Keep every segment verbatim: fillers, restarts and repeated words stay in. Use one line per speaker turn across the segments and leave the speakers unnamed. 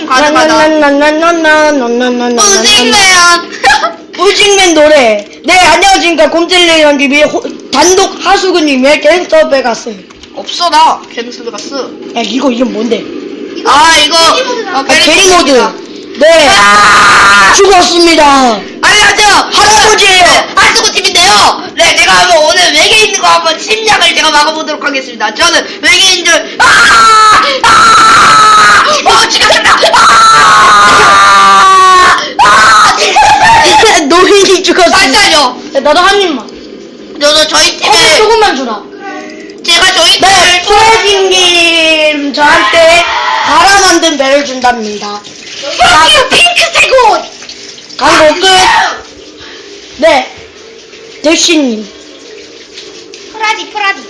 가능하다.
나나나나나나나나나나나
우직맨.
우직맨 노래. 네, 안녕하십니까. 곰젤리랑 티비 단독 하수구님의 갱스터 베가스.
없어 나 갱스 베가스.
야, 이거 이름 뭔데?
아 이거
아, 게리 모드. 네,
아!
죽었습니다.
안녕하세요.
할아버지예요.
하수구 팀인데요. 네, 제가 한번 오늘 외계인 있는 거 한번 침략을 제가 막아보도록 하겠습니다. 저는 외계인 줄. 아! 아! 어, 죽였습니다. 아! 아!
노인이 죽었습니다.
잠시만요.
야, 나도 한 입만.
저도 저희
어,
팀에
조금만 주라.
제가 저희
네,
팀을
프레딩님 저한테 갈아 만든 배를 준답니다.
여기요 핑크색 옷.
광고 끝. 네, 대신님
프라디 프라디.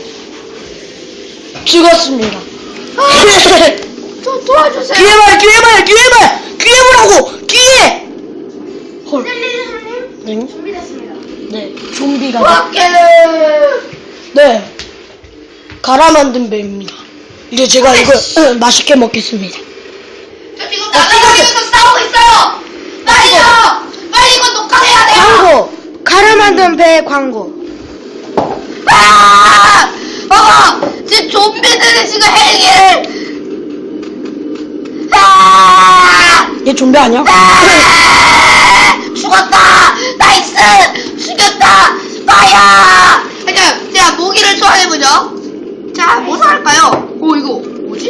죽었습니다.
저 도와주세요.
기회 말, 기회 말, 기회 말, 기회 보라고, 기회. 헐. 네?
준비됐습니다.
네, 좀비가.
밖에.
네, 갈아 만든 배입니다. 이제 제가 이거 어, 맛있게 먹겠습니다.
저 지금 나가면서 싸우고 있어요. 빨리요. 빨리 이거 녹화해야 돼요.
광고, 갈아 만든 배 광고.
아! 어! 지금 좀비들이 지금 헬기를. 아!
얘 좀비 아니야?
아! 죽었다. 나이스. 죽였다. 나야. 자, 자 모기를 소환해보죠. 자, 뭐 소환할까요? 오, 이거 뭐지?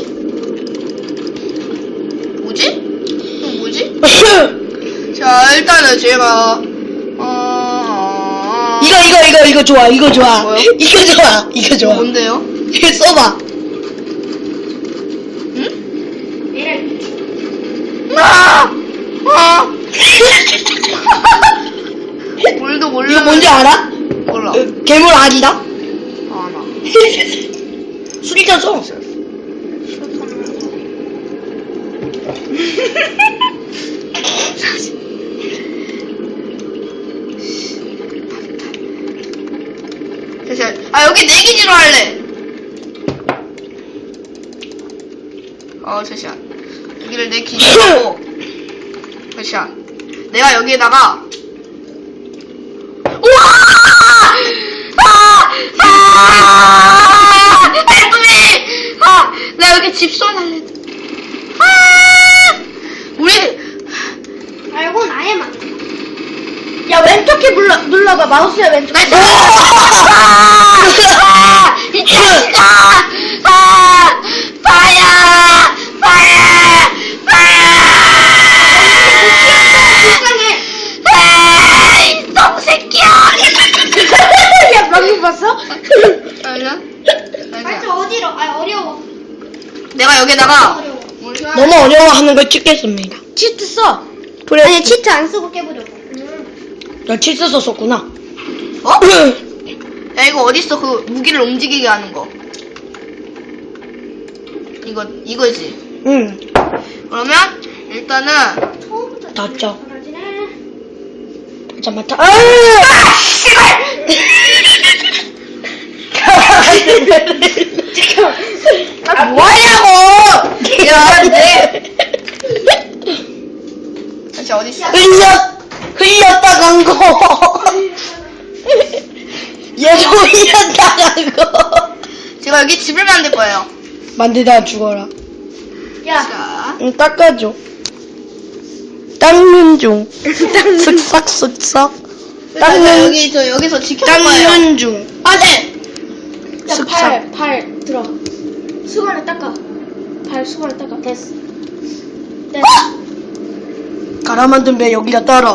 뭐지? 이거 뭐지? 자, 일단은 제가 어...
이거 이거 이거 이거 좋아, 이거 좋아.
뭐요?
이거 좋아, 이거 좋아.
뭔데요?
이거 써봐.
응? 아! 아! 뭘도 몰라.
이거 뭔지 알아?
몰라.
어, 괴물 아니다?
아, 나.
술이잖아.
잠시만. 아, 여기 내기지로 할래. 어, 잠시만. 여기를 내기지로 하고. 잠시만. 내가 여기에다가. 우와! 아! 아! Help me! 아! 나 여기 집소리 할래. 아! 우리.
아, 이건 아예 맞.
야, 왼쪽 키 눌러, 눌러봐. 마우스야, 왼쪽 키.
아! 아! 이 자식아! 아! 파야! 파야! 파야! 아! 이 똥새끼야!
야, 방금 봤어?
아니야?
아저 어디로? 아 어려워.
내가 여기다가
어려워.
너무 어려워하는 걸 찍겠습니다.
치트 써.
그래.
아니 치트 안 쓰고 깨보려고.
나 치스서 썼구나.
어? 야 이거 어딨어 그 무기를 움직이게 하는 거 이거 이거지.
응.
그러면 일단은
처음부터
닫자.
잘하지네.
잠깐만. 아!
씨발! 아 뭐하냐고! 야 네. 다시 어딨어?
흘렸, 흘렸다 간 거. 얘도 흘렸다 간 거.
제가 여기 집을 만들 거예요.
만들다 죽어라.
야.
자,
응, 닦아줘. 닦는 중. 쓱싹 쓱싹.
일단
닦는,
여기서 여기서 지켜볼 거예요.
닦는 중.
안돼.
야,
쓱싹.
팔, 팔 들어. 수건에 닦아. 발 수건에 닦아. 됐어. 됐어.
갈아 만든 배 여기다 따라.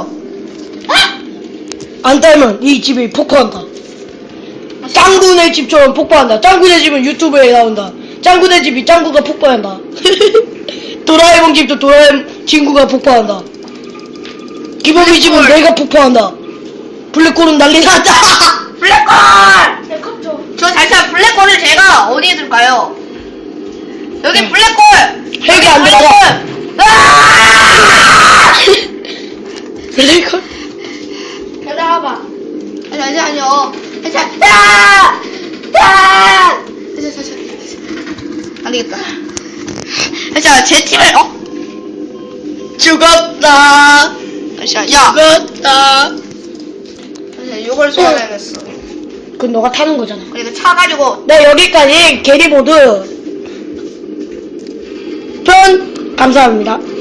안 따면 이 집이 폭파한다. 짱구네 집처럼 폭파한다. 짱구네 집은 유튜브에 나온다. 짱구네 집이 짱구가 폭파한다. 도라에몽 집도 도라에몽 친구가 폭파한다. 기범이 집은
블랙홀.
내가 폭파한다. 블랙홀은 난리 났다.
블랙홀!
내 컵 줘.
저 잠시만 블랙홀을 제가 어디에 둘까요? 여기
응.
블랙홀!
헬기 안 들어가.
아!
블랙홀?
야 나와봐.
아니 아니 아니요. 잠시만. 야! 야! 잠시만 잠시만. 안 되겠다. 잠시만 제 팀을 어?
죽었다.
잠시만, 야!
죽었다.
잠시만, 이걸 소환해냈어.
그건 너가 타는 거잖아.
그러니까 차 가지고,
네, 여기까지 게리보드 편 감사합니다.